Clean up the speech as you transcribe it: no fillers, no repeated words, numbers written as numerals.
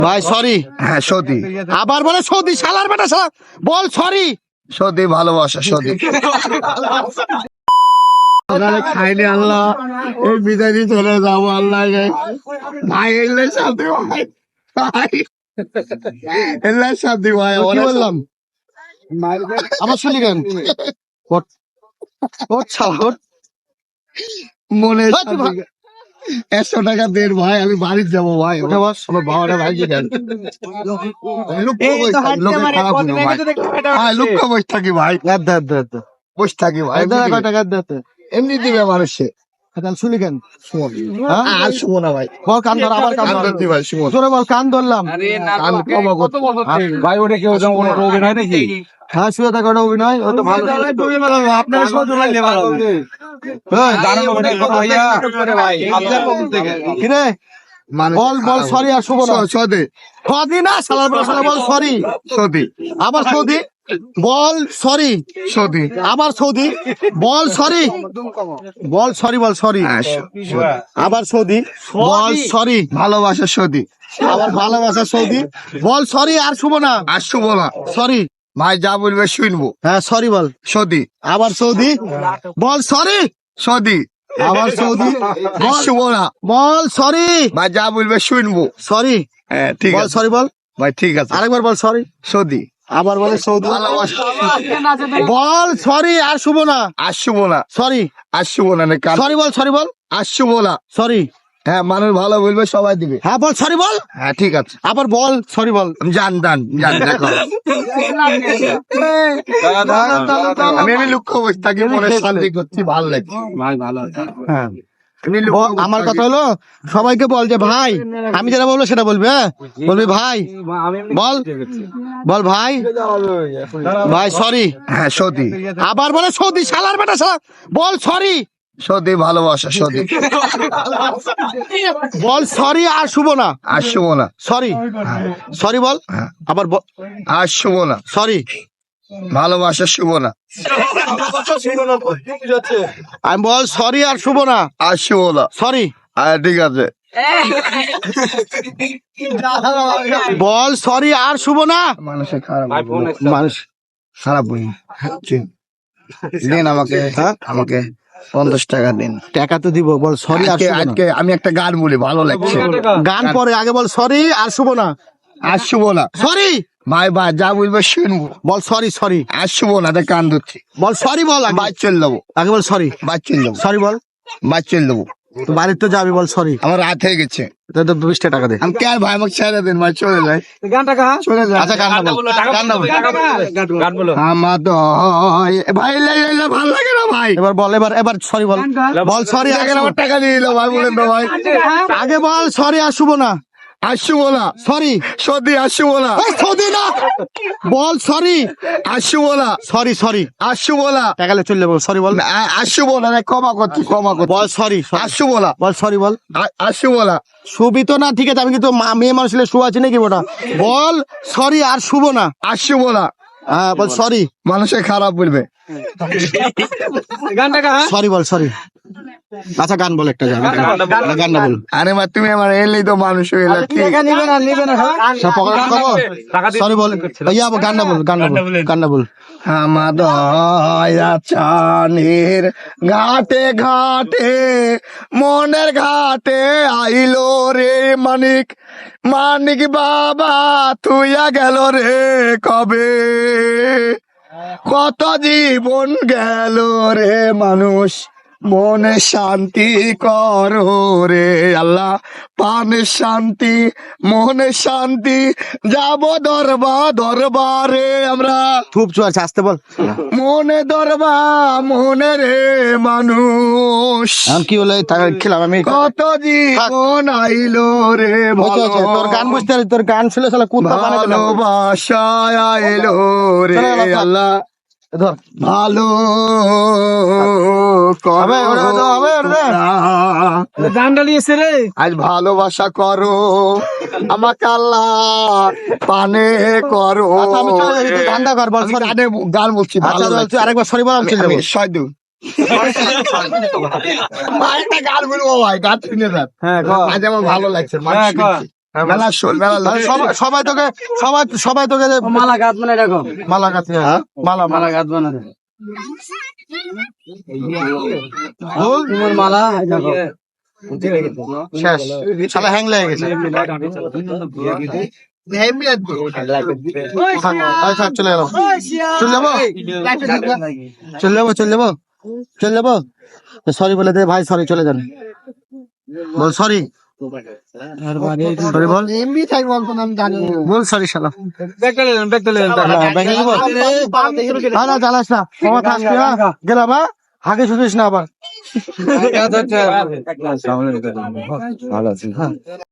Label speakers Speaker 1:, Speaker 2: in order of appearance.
Speaker 1: ভাই সরি।
Speaker 2: হ্যাঁ সতী।
Speaker 1: আবার বলে সৌদি শালার বেটা শালা বল সরি।
Speaker 2: সতী ভালোবাসা সতী। খাইনি আল্লাহ এই বিদায় দিয়ে চলে যাবো আল্লাহ ভাই এলে শান্তি ভাই ভাই এলে শান্তি ভাই
Speaker 1: কি বললাম আমার শুনি কেন
Speaker 2: মনে
Speaker 1: ওই তুই ভাই।
Speaker 2: 100 টাকা দেন ভাই আমি বাড়ি যাবো ভাই
Speaker 1: ওঠা বস আমার বাবাটা ভাই দেন
Speaker 2: লুক্ষ বসে থাকি ভাই বসে থাকি ভাই এমনি দিবে মানুষে
Speaker 1: শুনি কেন
Speaker 2: আর শুভ না ভাই
Speaker 1: বল কান ধর আবার কান ধর
Speaker 2: ধরতি ভাই শুভ
Speaker 1: জোরে বল কান ধরলাম
Speaker 2: ভাই ওটা কেউ যেমন অভিনয় নাকি
Speaker 1: হ্যাঁ শুয়ে থাকা ওটা অভিনয় ও তো ভালো
Speaker 2: আপনার সহজ লাগলে ভালো
Speaker 1: কিরে বল বল সরি আর শুভ না
Speaker 2: সদে
Speaker 1: সদি না শালার বেটা শালা বল সরি
Speaker 2: সদি
Speaker 1: আবার সৌদি বল সরি
Speaker 2: সদি
Speaker 1: আবার সৌদি বল সরি বল সরি বল সরি আবার সৌদি বল সরি
Speaker 2: ভালোবাসা সদি
Speaker 1: আবার ভালোবাসা সৌদি বল সরি আর শুভ না
Speaker 2: আর শুভ না
Speaker 1: সরি
Speaker 2: ভাই যা বলবে শুনবো
Speaker 1: হ্যাঁ সরি বল
Speaker 2: সদি
Speaker 1: আবার সৌদি বল সরি
Speaker 2: সদি
Speaker 1: আবার সৌদি
Speaker 2: আর শুভ না
Speaker 1: বল সরি
Speaker 2: ভাই যা বলবে শুনবো
Speaker 1: সরি
Speaker 2: হ্যাঁ ঠিক
Speaker 1: বল
Speaker 2: আছে
Speaker 1: সরি বল
Speaker 2: ভাই ঠিক আছে
Speaker 1: আরেকবার বল সরি
Speaker 2: সদি
Speaker 1: আবার বলে সৌদি
Speaker 2: ভালোবাসা
Speaker 1: বল সরি আর শুভ না
Speaker 2: আর শুভ না
Speaker 1: সরি
Speaker 2: আর শুভ না
Speaker 1: সরি বল সরি বল
Speaker 2: আর শুভ না
Speaker 1: সরি
Speaker 2: হ্যাঁ মানুষ ভালো বলবে সবাই দিবে
Speaker 1: হ্যাঁ বল সরি বল
Speaker 2: হ্যাঁ ঠিক আছে
Speaker 1: আবার বল সরি বল
Speaker 2: জান দেখো আমি লক্ষ্য বসে থাকি মনে শান্তি করছি ভালো লাগে
Speaker 1: হ্যাঁ আমার কথা হলো সবাইকে বল যে ভাই আমি যেটা বলবো সেটা বলবি হ্যাঁ বলবি ভাই বল বল ভাই ভাই সরি
Speaker 2: হ্যাঁ সতী
Speaker 1: আবার বলে সৌদি শালার বেটা শালা বল সরি
Speaker 2: সতী ভালোবাসা সতী
Speaker 1: বল সরি আর শুভ না
Speaker 2: আর শুভ না
Speaker 1: সরি সরি বল আবার
Speaker 2: আর শুভ না
Speaker 1: সরি
Speaker 2: ভালোবাসা শুভ না
Speaker 1: আমি বল সরি আর শুভ না
Speaker 2: আর শুভ না
Speaker 1: সরি
Speaker 2: ঠিক আছে
Speaker 1: বল সরি আর শুভ না
Speaker 2: মানুষের খারাপ
Speaker 1: মানুষ
Speaker 2: খারাপ বই দিন আমাকে আমাকে 50 টাকা দিন
Speaker 1: টাকা তো দিব বল সরি আর শুভ না।
Speaker 2: আজকে আমি একটা গান বলি ভালো লাগছে
Speaker 1: গান পরে আগে বল সরি আর শুভ না
Speaker 2: আর শুভ না
Speaker 1: সরি
Speaker 2: ভাই ভাই যা বলবে শুনবো
Speaker 1: বল সরি সরি
Speaker 2: আর শুভ না তাই কান ধরছি
Speaker 1: বল সরি বল আগে
Speaker 2: বাইক চল দেবো
Speaker 1: আগে বল সরি
Speaker 2: বাইক চল দেবো
Speaker 1: সরি বল
Speaker 2: বাইক চল দেবো
Speaker 1: তো বাড়িতে তো যাবি বল সরি
Speaker 2: আমার রাত হয়ে গেছে
Speaker 1: তো 20 টাকা দে
Speaker 2: আমি কে ভাই আমাকে ছেড়ে দিন ভাই চলে যাই চলে যাই
Speaker 1: আচ্ছা গান বল গান বল
Speaker 2: আমার তো ভাই ভালো লাগে না ভাই
Speaker 1: এবার বল এবার সরি বল বল সরি
Speaker 2: আগে আমার টাকা দিয়ে দিল ভাই বলেন তো ভাই
Speaker 1: আগে বল সরি আর শুভ না
Speaker 2: আর শুভ না
Speaker 1: সরি
Speaker 2: সদি আর শুভ না
Speaker 1: সৌদি না বল সরি
Speaker 2: আর শুভ না
Speaker 1: সরি সরি
Speaker 2: আর শুভ না
Speaker 1: টাকালে চলে বল সরি বল
Speaker 2: আর শুভ না ক্ষমা করছি
Speaker 1: বল সরি
Speaker 2: আর শুভ না
Speaker 1: বল সরি বল
Speaker 2: আর শুভ না
Speaker 1: শুবি তো না ঠিক আছে আমি কিন্তু মেয়ে মানুষ হলে শু আছে নাকি ওটা বল সরি আর শুভ না
Speaker 2: আর শুভ না
Speaker 1: হ্যাঁ বল সরি
Speaker 2: মানুষের খারাপ বলবে
Speaker 1: সরি বল সরি আচ্ছা গান বল একটা গান বল
Speaker 2: আরে মা তুমি আমার এলেই তো মানুষ হয়ে
Speaker 1: সরি বল ইয়া গান বল
Speaker 2: আমাদের চানের ঘাটে ঘাটে মনের ঘাটে আইলো রে মানিক মানিক বাবা তুইয়া গেল রে কবে কত জীবন গেল রে মানুষ মনে শান্তি করো রে আল্লাহ পানে শান্তি মনে শান্তি যাব দরবারে আমরা
Speaker 1: খুব চুয়াছে আসতে বল
Speaker 2: মনে মনে রে মানুষ
Speaker 1: আমি কি হলো খেলাম আমি
Speaker 2: কত জীবন আইলো রে
Speaker 1: তোর গান বুঝতে পারি তোর গান শুনে শালা কুত্তা
Speaker 2: ভালোবাসা আইলো রে আল্লাহ
Speaker 1: ধর
Speaker 2: ভালো আজ ভালোবাসা করো আমাকে আল্লাহ পানে করো
Speaker 1: গানটা কর বল
Speaker 2: গান বলছি
Speaker 1: আরেকবার সরি বল আমি
Speaker 2: সয়দু গান বলবো ভাই গান শুনে যান আজ আমার ভালো লাগছে মেলা শোল মেলা
Speaker 1: তাহলে সবাই তোকে সবাই তোকে
Speaker 3: মালা গাছ মানে দেখো
Speaker 1: মালা কাছে মালা
Speaker 3: মালা গাছ বানাতে
Speaker 1: বল
Speaker 3: তোমার মালা দেখো
Speaker 1: শেষ শালা হ্যাং লেগে গেছে আচ্ছা চলে গেলাম চলে যাবো সরি বলে দে ভাই সরি চলে যান বল সরি সরি বল
Speaker 2: এমবি থাই বলতো আমি জানি
Speaker 1: বল সরি শালা
Speaker 3: ব্যাগটা নিলেন
Speaker 1: ব্যাগে নিবো না জ্বালাস না ক্ষমা থাকবি গেলাম হাগে শুনিস না আবার
Speaker 3: ভালো আছে